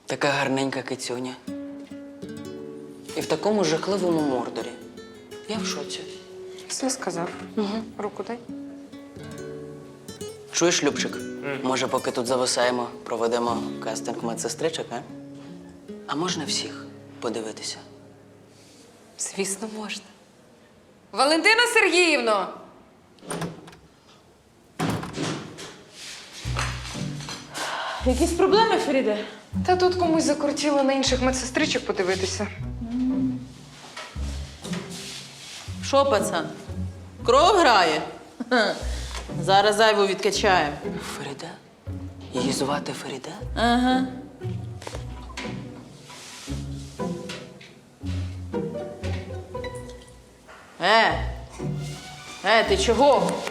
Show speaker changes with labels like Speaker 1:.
Speaker 1: Така гарненька кицюня. І в такому жахливому мордорі. Я в шоці.
Speaker 2: Все сказав. Руку дай.
Speaker 1: Чуєш, Любчик? Може, поки тут зависаємо, проведемо кастинг медсестричок, а? А можна всіх подивитися?
Speaker 2: Звісно, можна. Валентина Сергіївно!
Speaker 3: Якісь проблеми, Феріде?
Speaker 2: Та тут комусь закрутіло на інших медсестричок подивитися.
Speaker 3: Що, пацан? Кров грає? Ха. Зараз зайву відкачаємо.
Speaker 1: Феріде? Її звати Феріде?
Speaker 3: Ага. Ти чого?